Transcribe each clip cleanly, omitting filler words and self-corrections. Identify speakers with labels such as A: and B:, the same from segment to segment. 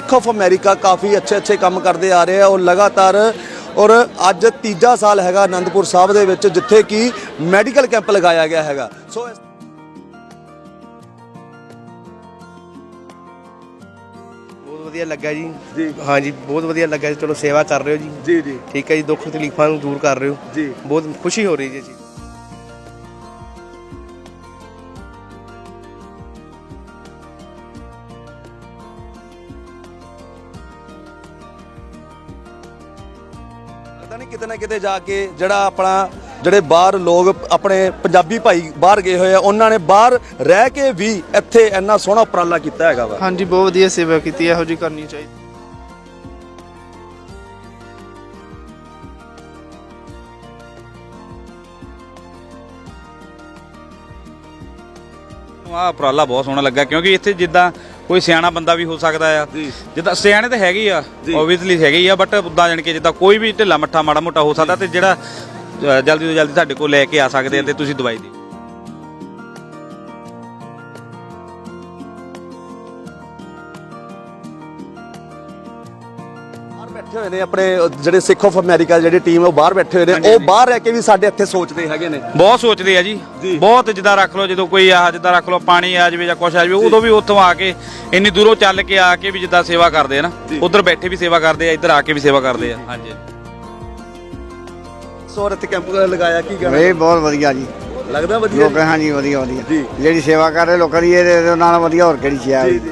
A: Sikh of America काफ़ी अच्छे काम करते आ रहे हैं और लगातार और अज तीजा साल है आनंदपुर साहब दे विच जिथे कि मैडिकल कैंप लगाया गया है। सो
B: बहुत वधिया लगा जी। हाँ जी, बहुत वधिया लगा जी। चलो सेवा कर रहे हो जी। जी ठीक है जी। दुख तकलीफां दूर कर रहे हो जी। बहुत खुशी हो रही है जी।
A: नहीं किते ना किते जाके जड़ा अपना ਜਿਹੜੇ ਬਾਹਰ ਲੋਕ ਆਪਣੇ ਪੰਜਾਬੀ ਭਾਈ ਬਾਹਰ ਗਏ ਹੋਏ ਆ ਉਹਨਾਂ ਨੇ ਬਾਹਰ ਰਹਿ ਕੇ ਵੀ ਇੱਥੇ ਇੰਨਾ ਸੋਹਣਾ ਉਪਰਾਲਾ ਕੀਤਾ ਹੈਗਾ ਵਾ।
C: ਹਾਂਜੀ, ਬਹੁਤ ਵਧੀਆ ਸੇਵਾ ਕੀਤੀ, ਇਹੋ ਜਿਹੀ ਕਰਨੀ ਚਾਹੀਦੀ।
D: ਆਹ ਉਪਰਾਲਾ ਬਹੁਤ ਸੋਹਣਾ ਲੱਗਾ ਕਿਉਂਕਿ ਇੱਥੇ ਜਿੱਦਾਂ ਕੋਈ ਸਿਆਣਾ ਬੰਦਾ ਵੀ ਹੋ ਸਕਦਾ ਆ, ਜਿੱਦਾਂ ਸਿਆਣੇ ਤਾਂ ਹੈਗੇ ਆ ਓਬਵੀਅਸਲੀ ਹੈਗੇ ਹੀ ਆ, ਬਟ ਉੱਦਾਂ ਜਾਣ ਕੇ ਜਿੱਦਾਂ ਕੋਈ ਵੀ ਢਿੱਲਾ ਮੱਠਾ ਮਾੜਾ ਮੋਟਾ ਹੋ ਸਕਦਾ ਤੇ ਜਿਹੜਾ ਜਲਦੀ ਤੋਂ ਜਲਦੀ ਤੁਹਾਡੇ ਕੋਲ ਲੈ ਕੇ ਆ ਸਕਦੇ ਆ ਤੇ ਤੁਸੀਂ ਦਵਾਈ ਦਿਓ।
A: बैठे हुए ने अपने ਜਿਹੜੇ सिख ऑफ अमेरिका ਜਿਹੜੀ ਟੀਮ ਹੈ ਉਹ ਬਾਹਰ ਬੈਠੇ ਹੋਏ ਨੇ, ਉਹ ਬਾਹਰ ਰਹਿ ਕੇ ਵੀ ਸਾਡੇ ਇੱਥੇ ਸੋਚਦੇ ਹੈਗੇ ਨੇ,
D: ਬਹੁਤ ਸੋਚਦੇ ਆ ਜੀ ਬਹੁਤ। ਜਿੱਦਾਂ ਰੱਖ ਲਓ ਜਦੋਂ ਕੋਈ ਆ ਜਿੱਦਾਂ ਰੱਖ ਲਓ ਪਾਣੀ ਆ ਜਾਵੇ ਜਾਂ ਕੁਛ ਆ ਜਾਵੇ ਉਦੋਂ ਵੀ ਉੱਥੋਂ ਆ ਕੇ ਇੰਨੀ ਦੂਰੋਂ ਚੱਲ ਕੇ ਆ ਕੇ ਵੀ ਜਿੱਦਾਂ ਸੇਵਾ ਕਰਦੇ ਆ ਨਾ, ਉਧਰ ਬੈਠੇ ਵੀ ਸੇਵਾ ਕਰਦੇ ਆ, ਇੱਧਰ ਆ ਕੇ ਵੀ ਸੇਵਾ ਕਰਦੇ ਆ। ਹਾਂਜੀ
A: ਸੋ ਇੱਥੇ ਕੈਂਪ ਲਗਾਇਆ ਕੀ ਕਹਿਣਾ
E: ਇਹ ਬਹੁਤ ਵਧੀਆ ਜੀ
A: ਲੱਗਦਾ? ਵਧੀਆ
E: ਲੋਕ ਹਾਂਜੀ ਵਧੀਆ ਵਧੀਆ ਜਿਹੜੀ ਸੇਵਾ ਕਰ ਰਹੇ ਲੋਕਾਂ ਦੀ ਇਹਦੇ ਨਾਲ ਵਧੀਆ ਹੋਰ ਕਿਹੜੀ ਸੇਵਾ ਹੈ।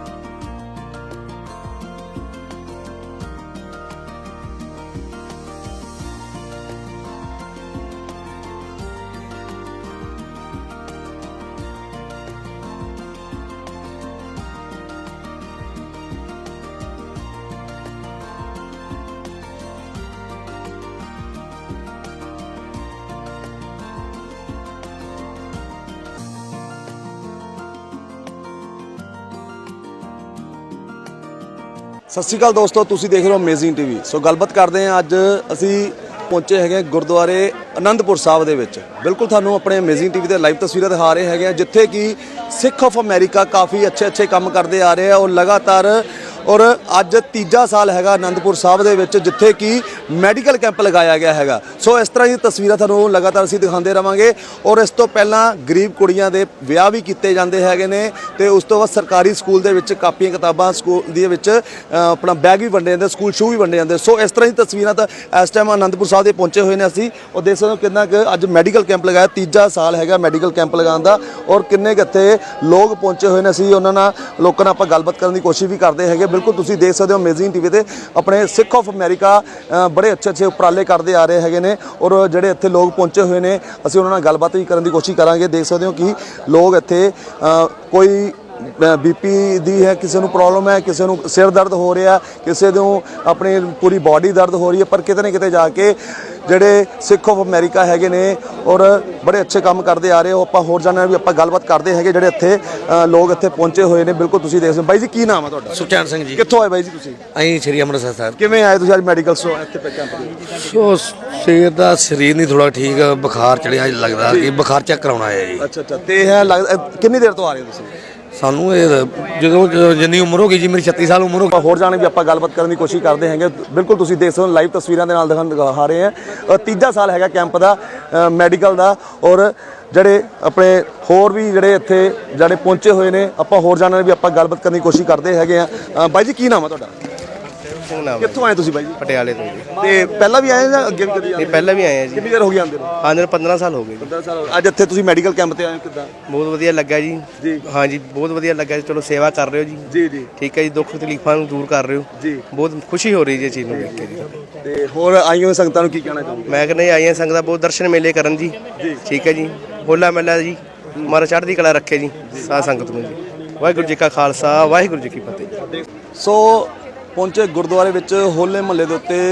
A: ਸਤਿ ਸ਼੍ਰੀ ਅਕਾਲ ਦੋਸਤੋ, ਤੁਸੀਂ ਦੇਖ ਰਹੇ ਹੋ ਅਮੇਜ਼ਿੰਗ ਟੀਵੀ। ਸੋ ਗੱਲਬਾਤ ਕਰਦੇ ਹਾਂ, ਅੱਜ ਅਸੀਂ ਪਹੁੰਚੇ ਹੈਗੇ ਗੁਰਦੁਆਰੇ ਆਨੰਦਪੁਰ ਸਾਹਿਬ ਦੇ ਵਿੱਚ। ਬਿਲਕੁਲ ਤੁਹਾਨੂੰ ਆਪਣੇ ਅਮੇਜ਼ਿੰਗ ਟੀਵੀ ਤੇ ਲਾਈਵ ਤਸਵੀਰਾਂ ਦਿਖਾ ਰਹੇ ਹੈਗੇ ਆ ਜਿੱਥੇ ਕਿ ਸਿੱਖ ਆਫ ਅਮਰੀਕਾ ਕਾਫੀ ਅੱਛੇ ਕੰਮ ਕਰਦੇ ਆ ਰਹੇ ਆ ਔਰ ਲਗਾਤਾਰ ਔਰ ਅੱਜ ਤੀਜਾ ਸਾਲ ਹੈਗਾ ਆਨੰਦਪੁਰ ਸਾਹਿਬ ਦੇ ਵਿੱਚ ਜਿੱਥੇ ਕਿ ਮੈਡੀਕਲ ਕੈਂਪ ਲਗਾਇਆ ਗਿਆ ਹੈਗਾ। ਸੋ ਇਸ ਤਰ੍ਹਾਂ ਦੀ ਤਸਵੀਰਾਂ ਤੁਹਾਨੂੰ ਲਗਾਤਾਰ ਅਸੀਂ ਦਿਖਾਉਂਦੇ ਰਵਾਂਗੇ ਔਰ ਇਸ ਤੋਂ ਪਹਿਲਾਂ ਗਰੀਬ ਕੁੜੀਆਂ ਦੇ ਵਿਆਹ ਵੀ ਕੀਤੇ ਜਾਂਦੇ ਹੈਗੇ ਨੇ ਤੇ ਉਸ ਤੋਂ ਬਾਅਦ ਸਰਕਾਰੀ ਸਕੂਲ ਦੇ ਵਿੱਚ ਕਾਪੀਆਂ ਕਿਤਾਬਾਂ ਸਕੂਲ ਦੇ ਵਿੱਚ ਆਪਣਾ ਬੈਗ ਵੀ ਵੰਡੇ ਜਾਂਦੇ, ਸਕੂਲ ਸ਼ੂ ਵੀ ਵੰਡੇ ਜਾਂਦੇ। ਸੋ ਇਸ ਤਰ੍ਹਾਂ ਦੀ ਤਸਵੀਰਾਂ ਤਾਂ ਇਸ ਟਾਈਮ ਆਨੰਦਪੁਰ ਸਾਹਿਬ ਦੇ ਪਹੁੰਚੇ ਹੋਏ ਨੇ ਅਸੀਂ ਔਰ ਦੇਖ ਸਕਦੇ ਹੋ ਕਿੰਨਾ ਕੁ ਅੱਜ ਮੈਡੀਕਲ ਕੈਂਪ ਲਗਾਇਆ, ਤੀਜਾ ਸਾਲ ਹੈਗਾ ਮੈਡੀਕਲ ਕੈਂਪ ਲਗਾਉਣ ਦਾ ਔਰ ਕਿੰਨੇ ਕੁ ਇੱਥੇ ਲੋਕ ਪਹੁੰਚੇ ਹੋਏ ਨੇ। ਅਸੀਂ ਉਹਨਾਂ ਨਾਲ ਲੋਕਾਂ ਨਾਲ ਆਪਾਂ ਗੱਲਬਾਤ ਕਰਨ ਦੀ ਕੋਸ਼ਿਸ਼ ਵੀ ਕਰਦੇ ਹੈਗੇ। ਬਿਲਕੁਲ ਤੁਸੀਂ ਦੇਖ ਸਕਦੇ ਹੋ ਅਮੇਜ਼ਿੰਗ ਟੀਵੀ ਤੇ ਆਪਣੇ ਸਿੱਖ ਆਫ ਅਮਰੀਕਾ ਬੜੇ ਅੱਛੇ ਉਪਰਾਲੇ ਕਰਦੇ ਆ ਰਹੇ ਹੈਗੇ ਨੇ ਔਰ ਜਿਹੜੇ ਇੱਥੇ ਲੋਕ ਪਹੁੰਚੇ ਹੋਏ ਨੇ ਅਸੀਂ ਉਹਨਾਂ ਨਾਲ ਗੱਲਬਾਤ ਵੀ ਕਰਨ ਦੀ ਕੋਸ਼ਿਸ਼ ਕਰਾਂਗੇ। ਦੇਖ ਸਕਦੇ ਹੋ ਕਿ ਲੋਕ ਇੱਥੇ ਕੋਈ ਬੀਪੀ ਦੀ ਹੈ, ਕਿਸੇ ਨੂੰ ਪ੍ਰੋਬਲਮ ਹੈ, ਕਿਸੇ ਨੂੰ ਸਿਰ ਦਰਦ ਹੋ ਰਿਹਾ, ਕਿਸੇ ਨੂੰ ਆਪਣੀ ਪੂਰੀ ਬਾਡੀ ਦਰਦ ਹੋ ਰਹੀ ਹੈ, ਪਰ ਕਿਤੇ ਨਾ ਕਿਤੇ ਜਾ ਕੇ ਜਿਹੜੇ ਸਿੱਖ ਆਫ ਅਮਰੀਕਾ ਹੈਗੇ ਨੇ ਔਰ ਬੜੇ ਅੱਛੇ ਕੰਮ ਕਰਦੇ ਆ ਰਹੇ ਹੋ। ਆਪਾਂ ਹੋਰ ਜਾਣਨਾ ਵੀ ਆਪਾਂ ਗੱਲਬਾਤ ਕਰਦੇ ਹੈਗੇ ਜਿਹੜੇ ਇੱਥੇ ਲੋਕ ਇੱਥੇ ਪਹੁੰਚੇ ਹੋਏ ਨੇ। ਬਿਲਕੁਲ ਤੁਸੀਂ ਦੇਖ ਸਕਦੇ ਬਾਈ ਜੀ, ਕੀ ਨਾਮ ਹੈ ਤੁਹਾਡਾ?
F: ਸੁਖਚੈਨ ਸਿੰਘ ਜੀ।
A: ਕਿੱਥੋਂ ਆਏ ਬਾਈ ਜੀ ਤੁਸੀਂ?
F: ਅਸੀਂ ਸ਼੍ਰੀ ਅੰਮ੍ਰਿਤਸਰ ਸਾਹਿਬ।
A: ਕਿਵੇਂ ਆਏ ਤੁਸੀਂ ਅੱਜ ਮੈਡੀਕਲ ਸੋ ਇੱਥੇ ਕੈਂਪ ਦੇ?
F: ਸੋ ਸਵੇਰ ਦਾ ਸਰੀਰ ਨਹੀਂ ਥੋੜਾ ਠੀਕ, ਬੁਖਾਰ ਚੜਿਆ ਲੱਗਦਾ ਕਿ ਬੁਖਾਰ ਚੈੱਕ ਕਰਾਉਣਾ ਹੈ ਜੀ।
A: ਅੱਛਾ ਤੇ ਇਹ ਲੱਗਦਾ ਕਿੰਨੀ ਦੇਰ ਤੋਂ ਆ ਰਹੇ ਹੋ ਤੁਸੀਂ?
F: ਸਾਨੂੰ ਇਹ ਜਦੋਂ ਜਿੰਨੀ ਉਮਰ ਹੋ ਗਈ ਜੀ ਮੇਰੀ 36 ਸਾਲ ਉਮਰ ਹੋ ਗਈ।
A: ਹੋਰ ਜਾਣੇ ਵੀ ਆਪਾਂ ਗੱਲਬਾਤ ਕਰਨ ਦੀ ਕੋਸ਼ਿਸ਼ ਕਰਦੇ ਹੈਗੇ। ਬਿਲਕੁਲ ਤੁਸੀਂ ਦੇਖ ਸਕਦੇ ਹੋ ਲਾਈਵ ਤਸਵੀਰਾਂ ਦੇ ਨਾਲ ਦਿਖਾ ਰਹੇ ਹਾਂ। ਤੀਜਾ ਸਾਲ ਹੈਗਾ ਕੈਂਪ ਦਾ ਮੈਡੀਕਲ ਦਾ ਔਰ ਜਿਹੜੇ ਆਪਣੇ ਹੋਰ ਵੀ ਜਿਹੜੇ ਇੱਥੇ ਜਿਹੜੇ ਪਹੁੰਚੇ ਹੋਏ ਨੇ ਆਪਾਂ ਹੋਰ ਜਾਣਨ ਵੀ ਆਪਾਂ ਗੱਲਬਾਤ ਕਰਨ ਦੀ ਕੋਸ਼ਿਸ਼ ਕਰਦੇ ਹੈਗੇ ਆ। ਬਾਈ ਜੀ ਕੀ ਨਾਮ ਹੈ ਤੁਹਾਡਾ? ਕਿੱਥੋਂ ਆਏ ਤੁਸੀਂ ਬਾਈ ਜੀ?
B: ਪਟਿਆਲੇ ਤੋਂ ਜੀ।
A: ਤੇ ਪਹਿਲਾਂ ਵੀ ਆਏ ਜਾਂ ਅੱਗੇ ਵੀ ਕਦੀ ਆਏ?
B: ਪਹਿਲਾਂ ਵੀ ਆਏ ਆ ਜੀ।
A: ਕਿੰਨੀ ਦੇਰ ਹੋ ਗਈ ਆਉਂਦੇ ਨੂੰ?
B: ਆਂਦੇ 15 ਸਾਲ ਹੋ ਗਏ ਜੀ।
A: 15 ਸਾਲ। ਅੱਜ ਇੱਥੇ ਤੁਸੀਂ ਮੈਡੀਕਲ ਕੈਂਪ ਤੇ ਆਏ ਕਿੱਦਾਂ?
B: ਬਹੁਤ ਵਧੀਆ ਲੱਗਾ ਜੀ। ਹਾਂ ਜੀ, ਬਹੁਤ ਵਧੀਆ ਲੱਗਾ ਜੀ। ਚਲੋ ਸੇਵਾ ਕਰ ਰਹੇ ਹੋ ਜੀ। ਜੀ ਠੀਕ ਹੈ ਜੀ। ਦੁੱਖ ਤਕਲੀਫਾਂ ਨੂੰ ਦੂਰ ਕਰ ਰਹੇ ਹੋ ਜੀ। ਬਹੁਤ ਖੁਸ਼ੀ ਹੋ ਰਹੀ ਹੈ ਚੀਜ਼ ਨੂੰ ਦੇਖ ਕੇ ਜੀ।
A: ਤੇ ਹੋਰ ਆਈਆਂ ਸੰਗਤਾਂ ਨੂੰ ਕੀ ਕਹਿਣਾ ਚਾਹੁੰਦੇ?
B: ਮੈਂ ਕਹਿੰਦਾ ਆਈਆਂ ਸੰਗਤਾਂ ਬਹੁਤ ਦਰਸ਼ਨ ਮੇਲੇ ਕਰਨ ਜੀ। ਠੀਕ ਹੈ ਜੀ। ਹੋਲਾ ਮਹੱਲਾ ਜੀ ਮਾਰਾ ਚੜ੍ਹਦੀ ਕਲਾ ਰੱਖੇ ਜੀ ਸਾਧ ਸੰਗਤ ਨੂੰ ਜੀ। ਵਾਹਿਗੁਰੂ ਜੀ ਕਾ ਖਾਲਸਾ, ਵਾਹਿਗੁਰੂ ਜੀ ਕੀ ਫਤਿਹ।
A: ਸੋ ਪਹੁੰਚੇ ਗੁਰਦੁਆਰੇ ਵਿੱਚ ਹੋਲੇ ਮਹੱਲੇ ਦੇ ਉੱਤੇ।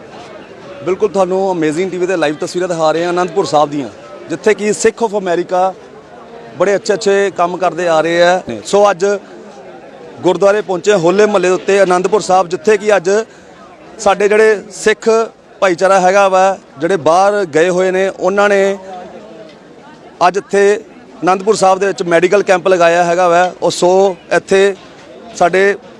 A: ਬਿਲਕੁਲ ਤੁਹਾਨੂੰ ਅਮੇਜ਼ਿੰਗ ਟੀਵੀ ਤੇ ਲਾਈਵ ਤਸਵੀਰਾਂ ਦਿਖਾ ਰਹੇ ਹਾਂ ਆਨੰਦਪੁਰ ਸਾਹਿਬ ਦੀਆਂ ਜਿੱਥੇ ਕਿ ਸਿੱਖ ਆਫ ਅਮਰੀਕਾ ਬੜੇ ਅੱਛੇ ਕੰਮ ਕਰਦੇ ਆ ਰਹੇ ਆ। ਸੋ ਅੱਜ ਗੁਰਦੁਆਰੇ ਪਹੁੰਚੇ ਹੋਲੇ ਮਹੱਲੇ ਦੇ ਉੱਤੇ ਆਨੰਦਪੁਰ ਸਾਹਿਬ ਜਿੱਥੇ ਕਿ ਅੱਜ ਸਾਡੇ ਜਿਹੜੇ ਸਿੱਖ ਭਾਈਚਾਰਾ ਹੈਗਾ ਵਾ ਜਿਹੜੇ ਬਾਹਰ ਗਏ ਹੋਏ ਨੇ ਉਹਨਾਂ ਨੇ ਅੱਜ ਇੱਥੇ ਆਨੰਦਪੁਰ ਸਾਹਿਬ ਦੇ ਵਿੱਚ ਮੈਡੀਕਲ ਕੈਂਪ ਲਗਾਇਆ ਹੈਗਾ ਵਾ। ਉਹ ਸੋ ਇੱਥੇ ਸਾਡੇ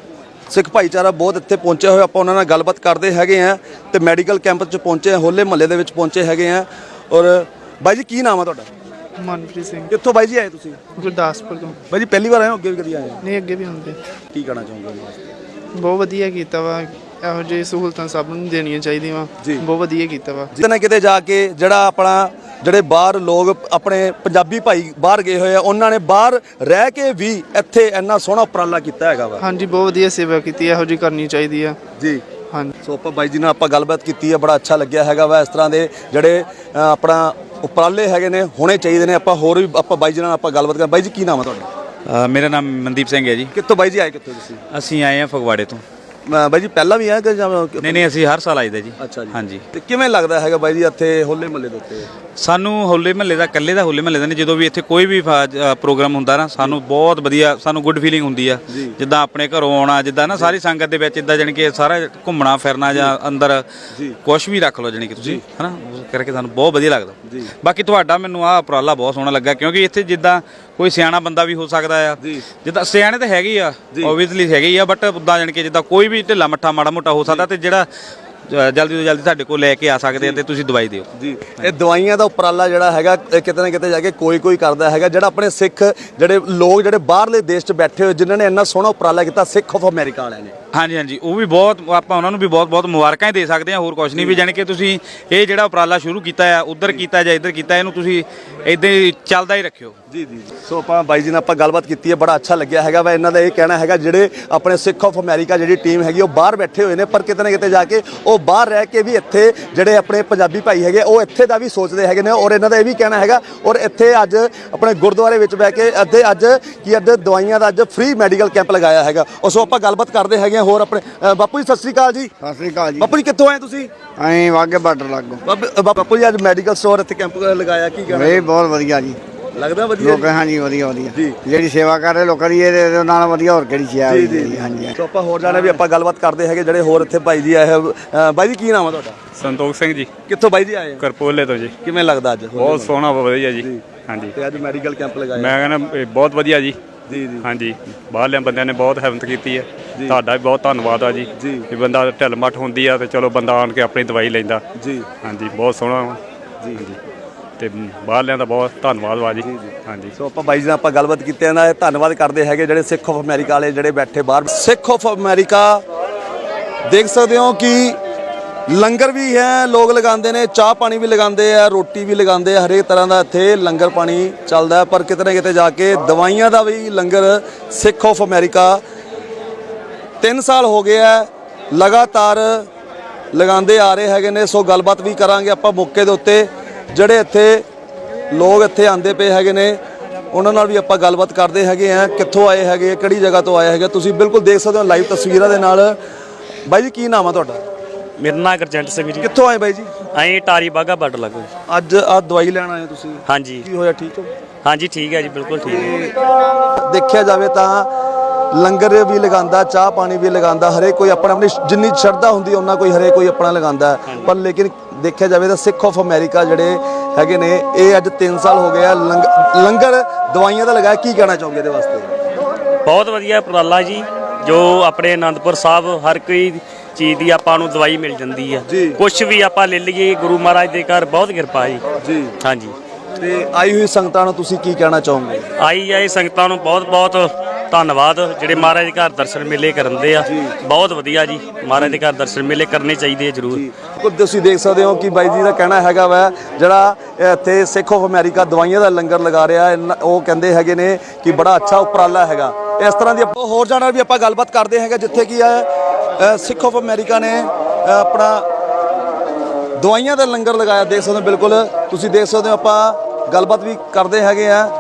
A: ਸਿੱਖ ਭਾਈਚਾਰਾ ਬਹੁਤ ਇੱਥੇ ਪਹੁੰਚੇ ਹੋਏ, ਆਪਾਂ ਉਹਨਾਂ ਨਾਲ ਗੱਲਬਾਤ ਕਰਦੇ ਹੈਗੇ ਆ ਤੇ ਮੈਡੀਕਲ ਕੈਂਪ 'ਚ ਪਹੁੰਚੇ, ਹੋਲੇ ਮਹੱਲੇ ਦੇ ਵਿੱਚ ਪਹੁੰਚੇ ਹੈਗੇ ਆ। ਔਰ ਬਾਈ ਜੀ ਕੀ ਨਾਮ ਆ ਤੁਹਾਡਾ?
C: ਮਨਪ੍ਰੀਤ ਸਿੰਘ
A: ਕਿੱਥੋਂ ਬਾਈ ਜੀ ਆਏ ਤੁਸੀਂ?
C: ਗੁਰਦਾਸਪੁਰ ਤੋਂ।
A: ਬਾਈ ਜੀ ਪਹਿਲੀ ਵਾਰ ਆਏ ਹੋ, ਅੱਗੇ ਵੀ ਕਦੀ ਆਏ ਹੋ?
C: ਨਹੀਂ, ਅੱਗੇ ਵੀ ਹੁੰਦੇ।
A: ਕੀ ਕਹਿਣਾ ਚਾਹੋਗੇ ਉਹਨਾਂ ਵਾਸਤੇ?
C: ਬਹੁਤ ਵਧੀਆ ਕੀਤਾ ਵਾ, ਇਹੋ ਜਿਹੀ ਸਹੂਲਤਾਂ ਸਭ ਨੂੰ ਦੇਣੀਆਂ ਚਾਹੀਦੀਆਂ ਵਾ।
A: ਜੀ।
C: ਬਹੁਤ ਵਧੀਆ ਕੀਤਾ ਵਾ।
A: ਕਿਤੇ ਨਾ ਕਿਤੇ ਜਾ ਕੇ ਜਿਹੜਾ ਆਪਣਾ ਜਿਹੜੇ ਬਾਹਰ ਲੋਕ ਆਪਣੇ ਪੰਜਾਬੀ ਭਾਈ ਬਾਹਰ ਗਏ ਹੋਏ ਆ, ਉਹਨਾਂ ਨੇ ਬਾਹਰ ਰਹਿ ਕੇ ਵੀ ਇੱਥੇ ਇੰਨਾ ਸੋਹਣਾ ਉਪਰਾਲਾ ਕੀਤਾ ਹੈਗਾ ਵਾ।
C: ਹਾਂਜੀ, ਬਹੁਤ ਵਧੀਆ ਸੇਵਾ ਕੀਤੀ, ਇਹੋ ਜਿਹੀ ਕਰਨੀ ਚਾਹੀਦੀ ਆ।
A: ਜੀ।
C: ਹਾਂਜੀ।
A: ਸੋ ਆਪਾਂ ਬਾਈ ਜੀ ਨਾਲ ਆਪਾਂ ਗੱਲਬਾਤ ਕੀਤੀ ਹੈ, ਬੜਾ ਅੱਛਾ ਲੱਗਿਆ ਹੈਗਾ ਵਾ। ਇਸ ਤਰ੍ਹਾਂ ਦੇ ਜਿਹੜੇ ਆਪਣਾ ਉਪਰਾਲੇ ਹੈਗੇ ਨੇ ਹੋਣੇ ਚਾਹੀਦੇ ਨੇ। ਆਪਾਂ ਹੋਰ ਵੀ ਆਪਾਂ ਬਾਈ ਜੀ ਨਾਲ ਆਪਾਂ ਗੱਲਬਾਤ ਕਰਾਂ। ਬਾਈ ਜੀ ਕੀ ਨਾਮ ਹੈ ਤੁਹਾਡਾ?
D: ਮੇਰਾ ਨਾਮ ਮਨਦੀਪ ਸਿੰਘ ਹੈ ਜੀ।
A: ਕਿੱਥੋਂ ਬਾਈ ਜੀ ਆਏ, ਕਿੱਥੋਂ ਤੁਸੀਂ?
D: ਅਸੀਂ ਆਏ ਹਾਂ ਫਗਵਾੜੇ ਤੋਂ।
A: ਬਾਈ ਜੀ ਪਹਿਲਾਂ ਵੀ ਆਏ ਕਿ ਜਾਂ
D: ਨਹੀਂ, ਅਸੀਂ ਹਰ ਸਾਲ ਆਈਦਾ ਜੀ।
A: ਅੱਛਾ ਜੀ।
D: ਹਾਂਜੀ।
A: ਤੇ ਕਿਵੇਂ ਲੱਗਦਾ ਹੈਗਾ ਬਾਈ ਜੀ ਇੱਥੇ ਹੋਲੇ ਮਹੱਲੇ ਦੇ ਉੱਤੇ?
D: ਸਾਨੂੰ ਹੋਲੇ ਮਹੱਲੇ ਦਾ, ਇਕੱਲੇ ਦਾ ਹੋਲੇ ਮਹੱਲੇ ਦਾ ਨਹੀਂ, ਜਦੋਂ ਵੀ ਇੱਥੇ ਕੋਈ ਵੀ ਪ੍ਰੋਗਰਾਮ ਹੁੰਦਾ ਨਾ, ਸਾਨੂੰ ਬਹੁਤ ਵਧੀਆ, ਸਾਨੂੰ ਗੁੱਡ ਫੀਲਿੰਗ ਹੁੰਦੀ ਆ। ਜਿੱਦਾਂ ਆਪਣੇ ਘਰੋਂ ਆਉਣਾ, ਜਿੱਦਾਂ ਨਾ ਸਾਰੀ ਸੰਗਤ ਦੇ ਵਿੱਚ ਇਦਾਂ ਜਾਣੀ ਕਿ ਸਾਰਾ ਘੁੰਮਣਾ ਫਿਰਨਾ ਜਾਂ ਅੰਦਰ ਕੁਝ ਵੀ ਰੱਖ ਲਓ ਜਾਣੀ ਕਿ ਤੁਸੀਂ, ਹਨਾ, ਉਸ ਕਰਕੇ ਸਾਨੂੰ ਬਹੁਤ ਵਧੀਆ ਲੱਗਦਾ। ਬਾਕੀ ਤੁਹਾਡਾ ਮੈਨੂੰ ਆਹ ਉਪਰਾਲਾ ਬਹੁਤ ਸੋਹਣਾ ਲੱਗਾ, ਕਿਉਂਕਿ ਇੱਥੇ ਜਿੱਦਾਂ ਕੋਈ ਸਿਆਣਾ ਬੰਦਾ ਵੀ ਹੋ ਸਕਦਾ ਆ, ਜਿੱਦਾਂ ਸਿਆਣੇ ਤਾਂ ਹੈਗੇ ਆ, ਓਬਵੀਅਸਲੀ ਹੈਗੇ ਹੀ ਆ, ਬਟ ਉੱਦਾਂ ਜਾਣੀ ਕਿ ਜਿੱਦਾਂ ਕੋਈ ਵੀ ਢਿੱਲਾ ਮੱਠਾ ਮਾੜਾ ਮੋਟਾ ਹੋ ਸਕਦਾ, ਤੇ ਜਿਹੜਾ ਜਲਦੀ ਤੋਂ ਜਲਦੀ ਸਾਡੇ ਕੋਲ ਲੈ ਕੇ ਆ ਸਕਦੇ ਆ ਤੇ ਤੁਸੀਂ ਦਵਾਈ ਦਿਓ
A: ਜੀ। ਇਹ ਦਵਾਈਆਂ ਦਾ ਉਪਰਾਲਾ ਜਿਹੜਾ ਹੈਗਾ, ਇਹ ਕਿਤੇ ਨਾ ਕਿਤੇ ਜਾ ਕੇ ਕੋਈ ਕਰਦਾ ਹੈਗਾ। ਜਿਹੜਾ ਆਪਣੇ ਸਿੱਖ ਜਿਹੜੇ ਲੋਕ ਜਿਹੜੇ ਬਾਹਰਲੇ ਦੇਸ਼ 'ਚ ਬੈਠੇ ਹੋਏ, ਜਿਨ੍ਹਾਂ ਨੇ ਇੰਨਾ ਸੋਹਣਾ ਉਪਰਾਲਾ ਕੀਤਾ, ਸਿੱਖ ਆਫ ਅਮਰੀਕਾ ਵਾਲਿਆਂ ਨੇ।
D: ਹਾਂਜੀ, ਉਹ ਵੀ ਬਹੁਤ, ਆਪਾਂ ਉਹਨਾਂ ਨੂੰ ਵੀ ਬਹੁਤ ਮੁਬਾਰਕਾਂ ਹੀ ਦੇ ਸਕਦੇ ਹਾਂ, ਹੋਰ ਕੁਝ ਨਹੀਂ। ਵੀ ਜਾਣੀ ਕਿ ਤੁਸੀਂ ਇਹ ਜਿਹੜਾ ਉਪਰਾਲਾ ਸ਼ੁਰੂ ਕੀਤਾ ਆ, ਉਧਰ ਕੀਤਾ ਜਾਂ ਇੱਧਰ ਕੀਤਾ, ਇਹਨੂੰ ਤੁਸੀਂ ਇਦਾਂ ਹੀ ਚੱਲਦਾ ਹੀ ਰੱਖਿਓ।
A: ਜੀ। ਸੋ ਆਪਾਂ ਬਾਈ ਜੀ ਨਾਲ ਆਪਾਂ ਗੱਲਬਾਤ ਕੀਤੀ ਹੈ, ਬੜਾ ਅੱਛਾ ਲੱਗਿਆ ਹੈਗਾ ਵਾ। ਇਹਨਾਂ ਦਾ ਇਹ ਕਹਿਣਾ ਹੈਗਾ ਜਿਹੜੇ ਆਪਣੇ ਸਿੱਖ ਆਫ ਅਮਰੀਕਾ ਜਿਹੜੀ ਟੀਮ ਹੈਗੀ, ਉਹ ਬਾਹਰ ਬੈਠੇ ਹੋਏ ਨੇ, ਪਰ ਕਿਤੇ ਨਾ ਕਿਤੇ ਜਾ ਕੇ ਉਹ ਬਾਹਰ ਰਹਿ ਕੇ ਵੀ ਇੱਥੇ ਜਿਹੜੇ ਆਪਣੇ ਪੰਜਾਬੀ ਭਾਈ ਹੈਗੇ, ਉਹ ਇੱਥੇ ਦਾ ਵੀ ਸੋਚਦੇ ਹੈਗੇ ਨੇ। ਔਰ ਇਹਨਾਂ ਦਾ ਇਹ ਵੀ ਕਹਿਣਾ ਹੈਗਾ, ਔਰ ਇੱਥੇ ਅੱਜ ਆਪਣੇ ਗੁਰਦੁਆਰੇ ਵਿੱਚ ਬਹਿ ਕੇ ਅੱਜ ਦਵਾਈਆਂ ਦਾ ਅੱਜ ਫ੍ਰੀ ਮੈਡੀਕਲ ਕੈਂਪ ਲਗਾਇਆ ਹੈਗਾ। ਸੋ ਆਪਾਂ ਗੱਲਬਾਤ ਕਰਦੇ ਹੈਗੇ ਹੋਰ ਆਪਣੇ ਬਾਪੂ ਜੀ। ਸਤਿ ਸ੍ਰੀ ਅਕਾਲ ਜੀ।
E: ਸਤਿ ਸ੍ਰੀ ਅਕਾਲ ਜੀ।
A: ਬਾਪੂ ਜੀ ਕਿੱਥੋਂ ਆਏ ਤੁਸੀਂ?
E: ਅਸੀਂ ਵਾਗੇ ਬਾਰਡਰ ਲੱਗੋ।
A: ਬਾਪੂ ਜੀ ਅੱਜ ਮੈਡੀਕਲ ਸਟੋਰ ਇੱਥੇ ਕੈਂਪ ਲਗਾਇਆ, ਕੀ ਕਹਿਣਾ?
E: ਇਹ ਬਹੁਤ ਵਧੀਆ ਜੀ,
A: ਲੱਗਦਾ ਵਧੀਆ
E: ਲੋਕ। ਹਾਂਜੀ, ਵਧੀਆ
A: ਜੀ।
E: ਜਿਹੜੀ ਸੇਵਾ ਕਰ ਰਹੇ ਲੋਕਾਂ ਦੀ, ਇਹਦੇ ਨਾਲ ਵਧੀਆ ਹੋਰ ਕਿਹੜੀ ਚੀਜ਼ ਹੈ? ਜੀ। ਹਾਂਜੀ।
A: ਸੋ ਆਪਾਂ ਹੋਰ ਜਾਣੇ ਵੀ ਆਪਾਂ ਗੱਲਬਾਤ ਕਰਦੇ ਹੈਗੇ ਜਿਹੜੇ ਹੋਰ ਇੱਥੇ ਭਾਈ ਜੀ ਆਏ। ਬਾਈ ਜੀ ਕੀ ਨਾਮ ਆ ਤੁਹਾਡਾ?
G: ਸੰਤੋਖ ਸਿੰਘ ਜੀ,
A: ਕਿੱਥੋਂ ਬਾਈ ਜੀ ਆਏ?
G: ਕਰਪੋਲੇ ਤੋਂ ਜੀ।
A: ਕਿਵੇਂ ਲੱਗਦਾ ਅੱਜ?
G: ਬਹੁਤ ਸੋਹਣਾ, ਵਧੀਆ ਜੀ। ਹਾਂਜੀ,
A: ਤੇ ਅੱਜ ਮੈਡੀਕਲ ਕੈਂਪ ਲਗਾਇਆ।
G: ਮੈਂ ਕਹਿੰਦਾ ਇਹ ਬਹੁਤ ਵਧੀਆ ਜੀ।
A: ਜੀ।
G: ਹਾਂਜੀ, ਬਾਹਰਲਿਆਂ ਬੰਦਿਆਂ ਨੇ ਬਹੁਤ ਹਿੰਮਤ ਕੀਤੀ ਹੈ, ਤੁਹਾਡਾ ਵੀ ਬਹੁਤ ਧੰਨਵਾਦ ਆ ਜੀ। ਕਿ ਬੰਦਾ ਢਿੱਲ ਮੱਠ ਹੁੰਦੀ ਆ ਤੇ ਚਲੋ ਬੰਦਾ ਆਣ ਕੇ ਆਪਣੀ ਦਵਾਈ ਲੈਂਦਾ
A: ਜੀ।
G: ਹਾਂਜੀ, ਬਹੁਤ ਸੋਹਣਾ ਜੀ। ਤੇ ਬਾਹਰਲਿਆਂ ਦਾ ਬਹੁਤ ਧੰਨਵਾਦ ਵਾ ਜੀ। ਹਾਂਜੀ।
A: ਸੋ ਆਪਾਂ ਬਾਈ ਜੀ ਨਾਲ ਆਪਾਂ ਗੱਲਬਾਤ ਕੀਤੀ ਹੈ ਨਾ, ਧੰਨਵਾਦ ਕਰਦੇ ਹੈਗੇ ਜਿਹੜੇ ਸਿੱਖ ਆਫ ਅਮਰੀਕਾ ਵਾਲੇ ਜਿਹੜੇ ਬੈਠੇ ਬਾਹਰ। ਸਿੱਖ ਆਫ ਅਮਰੀਕਾ ਦੇਖ ਸਕਦੇ ਹੋ ਕਿ ਲੰਗਰ ਵੀ ਹੈ, ਲੋਕ ਲਗਾਉਂਦੇ ਨੇ, ਚਾਹ ਪਾਣੀ ਵੀ ਲਗਾਉਂਦੇ ਆ, ਰੋਟੀ ਵੀ ਲਗਾਉਂਦੇ ਆ, ਹਰੇਕ ਤਰ੍ਹਾਂ ਦਾ ਇੱਥੇ ਲੰਗਰ ਪਾਣੀ ਚੱਲਦਾ। ਪਰ ਕਿਤੇ ਨਾ ਕਿਤੇ ਜਾ ਕੇ ਦਵਾਈਆਂ ਦਾ ਵੀ ਲੰਗਰ ਸਿੱਖ ਆਫ ਅਮਰੀਕਾ 3 ਸਾਲ ਹੋ ਗਏ ਆ ਲਗਾਤਾਰ ਲਗਾਉਂਦੇ ਆ ਰਹੇ ਹੈਗੇ ਨੇ। ਸੋ ਗੱਲਬਾਤ ਵੀ ਕਰਾਂਗੇ ਆਪਾਂ ਮੌਕੇ ਦੇ ਉੱਤੇ, ਜਿਹੜੇ ਇੱਥੇ ਲੋਕ ਇੱਥੇ ਆਂਦੇ ਪਏ ਹੈਗੇ ਨੇ, ਉਹਨਾਂ ਨਾਲ ਵੀ ਆਪਾਂ ਗੱਲਬਾਤ ਕਰਦੇ ਹੈਗੇ ਆ, ਕਿੱਥੋਂ ਆਏ ਹੈਗੇ, ਕਿਹੜੀ ਜਗ੍ਹਾ ਤੋਂ ਆਏ ਹੈਗੇ। ਤੁਸੀਂ ਬਿਲਕੁਲ ਦੇਖ ਸਕਦੇ ਹੋ ਲਾਈਵ ਤਸਵੀਰਾਂ ਦੇ ਨਾਲ। ਬਾਈ ਜੀ ਕੀ ਨਾਮ ਆ ਤੁਹਾਡਾ?
H: ਮੇਰਾ ਨਾਮ ਗੁਰਜੰਟ ਸਿੰਘ ਜੀ।
A: ਕਿੱਥੋਂ ਆਏ ਬਾਈ ਜੀ?
H: ਅਸੀਂ ਟਾਰੀ ਬਾਗਾ ਬਾਰਡਰ ਲੱਗੋ।
A: ਅੱਜ ਆਹ ਦਵਾਈ ਲੈਣ ਆਏ ਤੁਸੀਂ?
H: ਹਾਂਜੀ।
A: ਕੀ ਹੋਇਆ, ਠੀਕ ਹੋ?
H: ਹਾਂਜੀ, ਠੀਕ ਹੈ ਜੀ, ਬਿਲਕੁਲ ਠੀਕ ਹੈ।
A: ਦੇਖਿਆ ਜਾਵੇ ਤਾਂ ਲੰਗਰ ਵੀ ਲਗਾਉਂਦਾ, ਚਾਹ ਪਾਣੀ ਵੀ ਲਗਾਉਂਦਾ, ਹਰੇਕ ਕੋਈ ਆਪਣੀ ਜਿੰਨੀ ਸ਼ਰਧਾ ਹੁੰਦੀ ਉਹਨਾਂ ਕੋਈ ਹਰੇਕ ਕੋਈ ਆਪਣਾ ਲਗਾਉਂਦਾ। ਪਰ ਲੇਕਿਨ ਦੇਖਿਆ ਜਾਵੇ ਤਾਂ ਸਿੱਖ ਆਫ ਅਮਰੀਕਾ ਜਿਹੜੇ ਹੈਗੇ ਨੇ, ਇਹ ਅੱਜ 3 ਸਾਲ ਹੋ ਗਏ ਆ ਲੰਗਰ ਦਵਾਈਆਂ ਦਾ ਲਗਾਇਆ। ਕੀ ਕਹਿਣਾ ਚਾਹੋਗੇ ਇਹਦੇ ਵਾਸਤੇ?
H: ਬਹੁਤ ਵਧੀਆ ਉਪਰਾਲਾ ਜੀ, ਜੋ ਆਪਣੇ ਆਨੰਦਪੁਰ ਸਾਹਿਬ ਹਰ ਕੋਈ ਚੀਜ਼ ਦੀ ਆਪਾਂ ਨੂੰ ਦਵਾਈ ਮਿਲ ਜਾਂਦੀ ਆ। ਕੁਝ ਵੀ ਆਪਾਂ ਲੈ ਲਈਏ, ਗੁਰੂ ਮਹਾਰਾਜ ਦੇ ਘਰ ਬਹੁਤ ਕਿਰਪਾ ਜੀ। ਹਾਂਜੀ।
A: ਤੇ ਆਈ ਹੋਈ ਸੰਗਤਾਂ ਨੂੰ ਤੁਸੀਂ ਕੀ ਕਹਿਣਾ ਚਾਹੋਗੇ?
H: ਆਈ ਸੰਗਤਾਂ ਨੂੰ ਬਹੁਤ ਧੰਨਵਾਦ, ਜਿਹੜੇ ਮਹਾਰਾਜ ਦੇ ਘਰ ਦਰਸ਼ਨ ਮੇਲੇ ਕਰਦੇ ਆ। ਬਹੁਤ ਵਧੀਆ ਜੀ, ਮਹਾਰਾਜ ਦੇ ਘਰ ਦਰਸ਼ਨ ਮੇਲੇ ਕਰਨੇ ਚਾਹੀਦੇ ਆ ਜ਼ਰੂਰ।
A: ਤੁਸੀਂ ਦੇਖ ਸਕਦੇ ਹੋ ਕਿ ਬਾਈ ਜੀ ਦਾ ਕਹਿਣਾ ਹੈਗਾ ਵਾ, ਜਿਹੜਾ ਇੱਥੇ ਸਿੱਖ ਆਫ ਅਮਰੀਕਾ ਦਵਾਈਆਂ ਦਾ ਲੰਗਰ ਲਗਾ ਰਿਹਾ, ਉਹ ਕਹਿੰਦੇ ਹੈਗੇ ਨੇ ਕਿ ਬੜਾ ਅੱਛਾ ਉਪਰਾਲਾ ਹੈਗਾ। ਇਸ ਤਰ੍ਹਾਂ ਦੀ ਹੋਰ ਜਾਣਾ ਵੀ ਆਪਾਂ ਗੱਲਬਾਤ ਕਰਦੇ ਹੈਗੇ, ਜਿੱਥੇ ਕੀ ਹੈ ਸਿੱਖ ਆਫ ਅਮਰੀਕਾ ਨੇ ਆਪਣਾ ਦਵਾਈਆਂ ਦਾ ਲੰਗਰ ਲਗਾਇਆ। ਦੇਖ ਸਕਦੇ ਹੋ, ਬਿਲਕੁਲ ਤੁਸੀਂ ਦੇਖ ਸਕਦੇ ਹੋ। ਆਪਾਂ ਗੱਲਬਾਤ ਵੀ ਕਰਦੇ ਹੈਗੇ ਆ।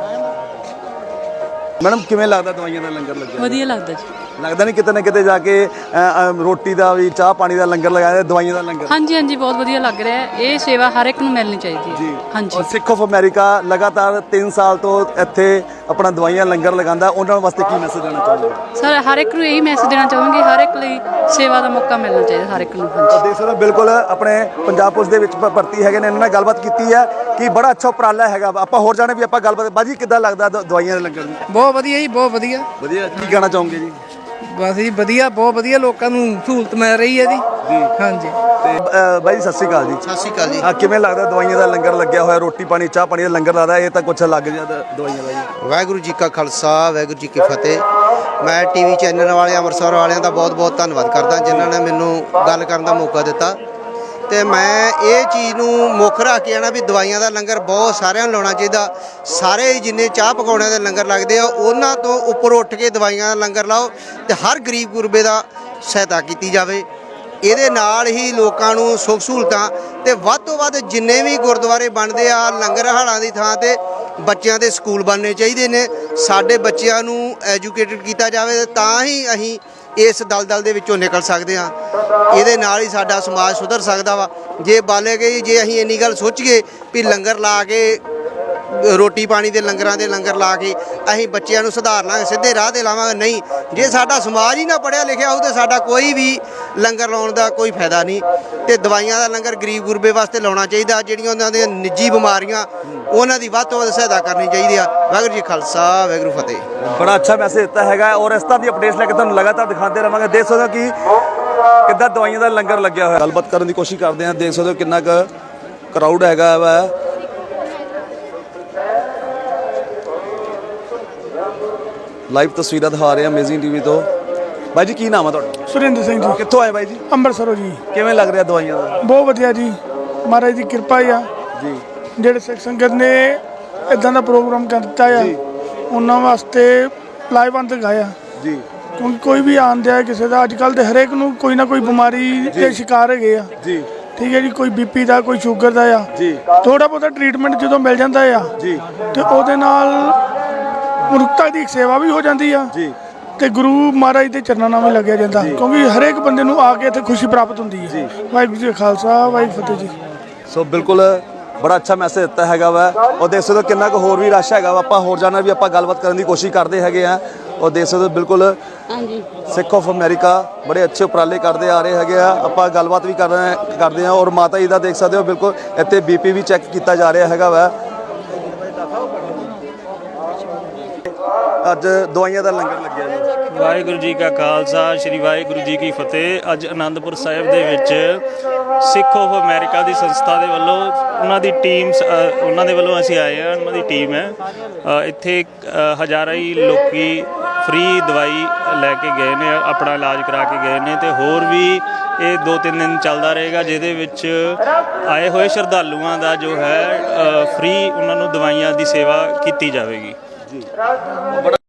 A: ਮੈਡਮ ਕਿਵੇਂ ਲੱਗਦਾ ਦਵਾਈਆਂ ਦਾ ਲੰਗਰ ਲੱਗਿਆ?
I: ਵਧੀਆ ਲੱਗਦਾ ਜੀ।
A: ਲੱਗਦਾ ਨਹੀਂ ਕਿਤੇ ਨਾ ਕਿਤੇ ਜਾ ਕੇ ਰੋਟੀ ਦਾ ਵੀ, ਚਾਹ ਪਾਣੀ ਦਾ ਲੰਗਰ ਲਗਾਇਆ, ਦਵਾਈਆਂ ਦਾ ਲੰਗਰ?
I: ਹਾਂਜੀ, ਬਹੁਤ ਵਧੀਆ ਲੱਗ ਰਿਹਾ ਹੈ। ਇਹ ਸੇਵਾ ਹਰ ਇੱਕ ਨੂੰ ਮਿਲਣੀ ਚਾਹੀਦੀ ਹੈ। ਹਾਂਜੀ।
A: ਔਰ ਸਿੱਖ ਆਫ ਅਮਰੀਕਾ ਲਗਾਤਾਰ 3 ਸਾਲ ਤੋਂ ਇੱਥੇ ਆਪਣਾ ਦਵਾਈਆਂ ਲੰਗਰ ਲਗਾਉਂਦਾ, ਉਹਨਾਂ ਵਾਸਤੇ ਕੀ ਮੈਸੇਜ ਦੇਣਾ ਚਾਹੁੰਦੇ?
I: ਸਰ, ਹਰ ਇੱਕ ਨੂੰ ਇਹੀ ਮੈਸੇਜ ਦੇਣਾ ਚਾਹਾਂਗੇ, ਹਰ ਇੱਕ ਲਈ ਸੇਵਾ ਦਾ ਮੌਕਾ ਮਿਲਣਾ ਚਾਹੀਦਾ ਹਰ ਇੱਕ ਨੂੰ।
A: ਦੇਖ ਸਕਦੇ ਹੋ, ਬਿਲਕੁਲ ਆਪਣੇ ਪੰਜਾਬ ਪੁਲਿਸ ਦੇ ਵਿੱਚ ਭਰਤੀ ਹੈਗੇ ਨੇ, ਇਹਨਾਂ ਨਾਲ ਗੱਲਬਾਤ ਕੀਤੀ ਹੈ ਕਿ ਬੜਾ ਅੱਛਾ ਉਪਰਾਲਾ ਹੈਗਾ। ਆਪਾਂ ਹੋਰ ਜਾਣੇ ਵੀ ਆਪਾਂ ਗੱਲਬਾਤ। ਬਾਜੀ ਕਿੱਦਾਂ ਲੱਗਦਾ ਦਵਾਈਆਂ ਦੇ ਲੰਗਰ ਦੀ?
C: ਬਹੁਤ ਵਧੀਆ ਜੀ, ਬਹੁਤ ਵਧੀਆ।
A: ਵਧੀਆ। ਕੀ ਕਹਿਣਾ ਚਾਹੋਗੇ ਜੀ?
J: ਬਸ ਜੀ ਵਧੀਆ, ਬਹੁਤ ਵਧੀਆ ਲੋਕਾਂ ਨੂੰ ਸਹੂਲਤ ਮਿਲ ਰਹੀ ਹੈ ਜੀ। ਹਾਂਜੀ
A: ਤੇ ਬਾਈ ਜੀ ਸਤਿ ਸ਼੍ਰੀ ਅਕਾਲ ਜੀ।
B: ਸਤਿ ਸ਼੍ਰੀ ਅਕਾਲ ਜੀ।
A: ਕਿਵੇਂ ਲੱਗਦਾ ਦਵਾਈਆਂ ਦਾ ਲੰਗਰ ਲੱਗਿਆ ਹੋਇਆ, ਰੋਟੀ ਪਾਣੀ ਚਾਹ ਪਾਣੀ ਦਾ ਲੰਗਰ ਲੱਗਦਾ, ਇਹ ਤਾਂ ਕੁਛ ਲੱਗ ਜਾਂਦਾ ਦਵਾਈਆਂ ਦਾ ਜੀ।
B: ਵਾਹਿਗੁਰੂ ਜੀ ਕਾ ਖਾਲਸਾ, ਵਾਹਿਗੁਰੂ ਜੀ ਕੀ ਫਤਿਹ। ਮੈਂ ਟੀਵੀ ਚੈਨਲ ਵਾਲੇ ਅੰਮ੍ਰਿਤਸਰ ਵਾਲਿਆਂ ਦਾ ਬਹੁਤ ਧੰਨਵਾਦ ਕਰਦਾ ਜਿਨ੍ਹਾਂ ਨੇ ਮੈਨੂੰ ਗੱਲ ਕਰਨ ਦਾ ਮੌਕਾ ਦਿੱਤਾ। ਤੇ ਮੈਂ ਇਹ ਚੀਜ਼ ਨੂੰ ਮੁੱਖ ਰੱਖ ਕੇ ਆਣਾ ਵੀ ਦਵਾਈਆਂ ਦਾ ਲੰਗਰ ਬਹੁਤ ਸਾਰਿਆਂ ਨੂੰ ਲਾਉਣਾ ਚਾਹੀਦਾ। ਸਾਰੇ ਜਿੰਨੇ ਚਾਹ ਪਕਾਉਣਿਆਂ ਦੇ ਲੰਗਰ ਲੱਗਦੇ ਆ ਉਹਨਾਂ ਤੋਂ ਉੱਪਰ ਉੱਠ ਕੇ ਦਵਾਈਆਂ ਦਾ ਲੰਗਰ ਲਾਓ ਤੇ ਹਰ ਗਰੀਬ ਗੁਰਬੇ ਦਾ ਸਹਾਇਤਾ ਕੀਤੀ ਜਾਵੇ। ਇਹਦੇ ਨਾਲ ਹੀ ਲੋਕਾਂ ਨੂੰ ਸੁੱਖ ਸਹੂਲਤਾਂ ਤੇ ਵੱਧ ਤੋਂ ਵੱਧ ਜਿੰਨੇ ਵੀ ਗੁਰਦੁਆਰੇ ਬਣਦੇ ਆ ਲੰਗਰ ਹਾਲਾਂ ਦੀ ਥਾਂ ਤੇ ਬੱਚਿਆਂ ਦੇ ਸਕੂਲ ਬਣਨੇ ਚਾਹੀਦੇ ਨੇ। ਸਾਡੇ ਬੱਚਿਆਂ ਨੂੰ ਐਜੂਕੇਟਡ ਕੀਤਾ ਜਾਵੇ ਤਾਂ ਹੀ ਅਸੀਂ ਇਸ ਦਲਦਲ ਦੇ ਵਿੱਚੋਂ ਨਿਕਲ ਸਕਦੇ ਹਾਂ। ਇਹਦੇ ਨਾਲ ਹੀ ਸਾਡਾ ਸਮਾਜ ਸੁਧਰ ਸਕਦਾ ਵਾ। ਜੇ ਬਾਲੇ ਗਈ ਜੇ ਅਸੀਂ ਇੰਨੀ ਗੱਲ ਸੋਚੀਏ ਵੀ ਲੰਗਰ ਲਾ ਕੇ ਰੋਟੀ ਪਾਣੀ ਦੇ ਲੰਗਰਾਂ ਦੇ ਲੰਗਰ ਲਾ ਕੇ ਅਸੀਂ ਬੱਚਿਆਂ ਨੂੰ ਸੁਧਾਰ ਲਾਂਗੇ, ਸਿੱਧੇ ਰਾਹ ਤੇ ਲਾਵਾਂਗੇ, ਨਹੀਂ। ਜੇ ਸਾਡਾ ਸਮਾਜ ਹੀ ਨਾ ਪੜ੍ਹਿਆ ਲਿਖਿਆ ਹੋਊ ਤਾਂ ਸਾਡਾ ਕੋਈ ਵੀ ਲੰਗਰ ਲਾਉਣ ਦਾ ਕੋਈ ਫਾਇਦਾ ਨਹੀਂ। ਤੇ ਦਵਾਈਆਂ ਦਾ ਲੰਗਰ ਗਰੀਬ ਗੁਰਬੇ ਵਾਸਤੇ ਲਾਉਣਾ ਚਾਹੀਦਾ। ਜਿਹੜੀਆਂ ਉਹਨਾਂ ਦੀਆਂ ਨਿੱਜੀ ਬਿਮਾਰੀਆਂ ਉਹਨਾਂ ਦੀ ਵੱਧ ਤੋਂ ਵੱਧ ਸਹਾਇਤਾ ਕਰਨੀ ਚਾਹੀਦੀ ਆ। ਵਾਹਿਗੁਰੂ ਜੀ ਖਾਲਸਾ, ਵਾਹਿਗੁਰੂ ਫਤਿਹ।
A: ਬੜਾ ਅੱਛਾ ਮੈਸੇਜ ਦਿੱਤਾ ਹੈਗਾ ਔਰ ਇਸ ਤਰ੍ਹਾਂ ਦੀ ਅਪਡੇਟਸ ਲੈ ਕੇ ਤੁਹਾਨੂੰ ਲਗਾਤਾਰ ਦਿਖਾਉਂਦੇ ਰਵਾਂਗੇ। ਦੇਖ ਸਕਦੇ ਹੋ ਕਿ ਕਿੱਦਾਂ ਦਵਾਈਆਂ ਦਾ ਲੰਗਰ ਲੱਗਿਆ ਹੋਇਆ। ਗੱਲਬਾਤ ਕਰਨ ਦੀ ਕੋਸ਼ਿਸ਼ ਕਰਦੇ ਹਾਂ। ਦੇਖ ਸਕਦੇ ਹੋ ਕਿੰਨਾ ਕੁ ਕਰਾਊਡ ਹੈਗਾ ਵਾ। ਲਾਈਵ ਤਸਵੀਰਾਂ ਦਿਖਾ ਰਹੇ ਹਾਂ ਅਮੇਜ਼ਿੰਗ ਟੀਵੀ ਤੋਂ। ਬਾਈ ਜੀ ਕੀ ਨਾਮ ਆ ਤੁਹਾਡਾ?
K: ਸੁਰਿੰਦਰ ਸਿੰਘ ਜੀ।
A: ਕਿੱਥੋਂ ਆਏ ਬਾਈ ਜੀ?
K: ਅੰਮ੍ਰਿਤਸਰੋਂ ਜੀ।
A: ਕਿਵੇਂ ਲੱਗ ਰਿਹਾ ਦਵਾਈਆਂ ਦਾ?
K: ਬਹੁਤ ਵਧੀਆ ਜੀ, ਮਹਾਰਾਜ ਦੀ ਕਿਰਪਾ ਆ
A: ਜੀ।
K: ਜਿਹੜੇ ਸਿੱਖ ਸੰਗਤ ਨੇ ਇਦਾਂ ਦਾ ਪ੍ਰੋਗਰਾਮ ਕਰ ਦਿੱਤਾ ਆ ਉਹਨਾਂ ਵਾਸਤੇ ਲਾਹੇਵੰਦ ਗਾਇਆ
A: ਜੀ।
K: ਕਿਉਂਕਿ ਕੋਈ ਵੀ ਆਂਦਿਆ ਕਿਸੇ ਦਾ ਅੱਜ ਕੱਲ੍ਹ ਤੇ ਹਰੇਕ ਨੂੰ ਕੋਈ ਨਾ ਕੋਈ ਬਿਮਾਰੀ ਦੇ ਸ਼ਿਕਾਰ ਹੈਗੇ ਆ
A: ਜੀ।
K: ਠੀਕ ਹੈ ਜੀ, ਕੋਈ ਬੀਪੀ ਦਾ, ਕੋਈ ਸ਼ੂਗਰ ਦਾ ਆ
A: ਜੀ।
K: ਥੋੜਾ ਬਹੁਤਾ ਟ੍ਰੀਟਮੈਂਟ ਜਦੋਂ ਮਿਲ ਜਾਂਦਾ ਆ
A: ਜੀ
K: ਤੇ ਉਹਦੇ ਨਾਲ ਮਨੁੱਖਤਾ ਦੀ ਸੇਵਾ ਵੀ ਹੋ ਜਾਂਦੀ ਆ
A: ਜੀ
K: ਤੇ ਗੁਰੂ ਮਹਾਰਾਜ ਦੇ ਚਰਨਾਂ ਨਾਲ ਵੀ ਲੱਗਿਆ ਜਾਂਦਾ ਕਿਉਂਕਿ ਹਰੇਕ ਬੰਦੇ ਨੂੰ ਆ ਕੇ ਇੱਥੇ ਖੁਸ਼ੀ ਪ੍ਰਾਪਤ ਹੁੰਦੀ ਹੈ। ਵਾਹਿਗੁਰੂ ਜੀ ਕਾ ਖਾਲਸਾ, ਵਾਹਿਗੁਰੂ ਫਤਿਹ ਜੀ।
A: ਸੋ ਬਿਲਕੁਲ ਬੜਾ ਅੱਛਾ ਮੈਸੇਜ ਦਿੱਤਾ ਹੈਗਾ ਵਾ। ਉਹ ਦੇਖ ਸਕਦੇ ਹੋ ਕਿੰਨਾ ਕੁ ਹੋਰ ਵੀ ਰਸ਼ ਹੈਗਾ ਵਾ। ਆਪਾਂ ਹੋਰ ਜਾਣਾ ਵੀ ਆਪਾਂ ਗੱਲਬਾਤ ਕਰਨ ਦੀ ਕੋਸ਼ਿਸ਼ ਕਰਦੇ ਹੈਗੇ ਆ। ਉਹ ਦੇਖ ਸਕਦੇ ਹੋ ਬਿਲਕੁਲ ਸਿੱਖ ਆਫ ਅਮਰੀਕਾ ਬੜੇ ਅੱਛੇ ਉਪਰਾਲੇ ਕਰਦੇ ਆ ਰਹੇ ਹੈਗੇ ਆ। ਆਪਾਂ ਗੱਲਬਾਤ ਵੀ ਕਰਦੇ ਆ ਔਰ ਮਾਤਾ ਜੀ ਦਾ ਦੇਖ ਸਕਦੇ ਹੋ ਬਿਲਕੁਲ ਇੱਥੇ ਬੀਪੀ ਵੀ ਚੈੱਕ ਕੀਤਾ ਜਾ ਰਿਹਾ ਹੈਗਾ ਵਾ। ਅੱਜ ਦਵਾਈਆਂ ਦਾ ਲੰਗਰ ਲੱਗਿਆ ਜੀ।
H: ਵਾਹਿਗੁਰੂ ਜੀ ਕਾ ਖਾਲਸਾ, ਸ਼੍ਰੀ ਵਾਹਿਗੁਰੂ ਜੀ ਕੀ ਫਤਿਹ। ਅੱਜ ਅਨੰਦਪੁਰ ਸਾਹਿਬ ਦੇ ਵਿੱਚ ਸਿੱਖ ਆਫ ਅਮਰੀਕਾ ਦੀ ਸੰਸਥਾ ਦੇ ਵੱਲੋਂ ਉਹਨਾਂ ਦੀ ਟੀਮ ਉਹਨਾਂ ਦੇ ਵੱਲੋਂ ਅਸੀਂ ਆਏ ਹਾਂ। ਉਹਨਾਂ ਦੀ ਟੀਮ ਹੈ ਇੱਥੇ ਹਜ਼ਾਰਾਂ ਹੀ ਲੋਕੀ ਫ੍ਰੀ ਦਵਾਈ ਲੈ ਕੇ ਗਏ ਨੇ, ਆਪਣਾ ਇਲਾਜ ਕਰਾ ਕੇ ਗਏ ਨੇ ਤੇ ਹੋਰ ਵੀ ਇਹ 2-3 ਦਿਨ ਚੱਲਦਾ ਰਹੇਗਾ ਜਿਹਦੇ ਵਿੱਚ ਆਏ ਹੋਏ ਸ਼ਰਧਾਲੂਆਂ ਦਾ ਜੋ ਹੈ ਫ੍ਰੀ ਉਹਨਾਂ ਨੂੰ ਦਵਾਈਆਂ ਦੀ ਸੇਵਾ ਕੀਤੀ ਜਾਵੇਗੀ ਜੀ।